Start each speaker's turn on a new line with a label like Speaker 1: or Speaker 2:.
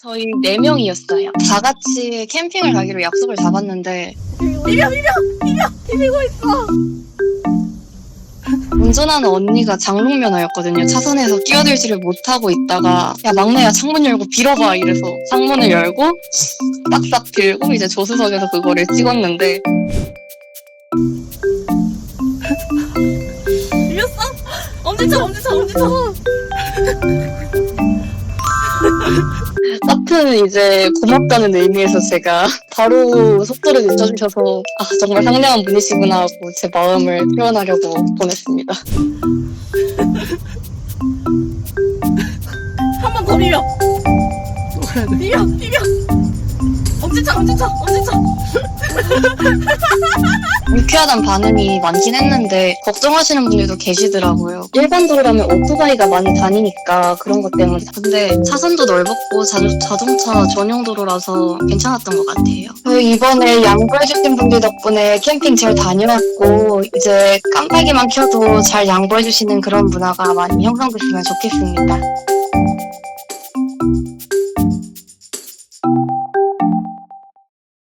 Speaker 1: 저희 4명이었어요. 다 같이 캠핑을 가기로 약속을 잡았는데
Speaker 2: 비비고 있어.
Speaker 1: 운전하는 언니가 장롱면허였거든요. 차선에서 끼어들지를 못하고 있다가 야 막내야 창문 열고 빌어봐 이래서 창문을 열고 싹싹 빌고 이제 조수석에서 그거를 찍었는데
Speaker 2: 비볐어? 엄지쳐.
Speaker 1: 하여튼 이제 고맙다는 의미에서 제가 바로 속도를 늦춰주셔서 아 정말 상냥한 분이시구나 하고 제 마음을 표현하려고 보냈습니다.
Speaker 2: 한 번 더 비벼. 비벼. 엄지쳐.
Speaker 1: 유쾌하단 반응이 많긴 했는데 걱정하시는 분들도 계시더라고요. 일반 도로라면 오토바이가 많이 다니니까 그런 것 때문에. 근데 차선도 넓었고 자동차 전용 도로라서 괜찮았던 것 같아요. 저희 이번에 양보해주신 분들 덕분에 캠핑 잘 다녀왔고 이제 깜빡이만 켜도 잘 양보해주시는 그런 문화가 많이 형성됐으면 좋겠습니다.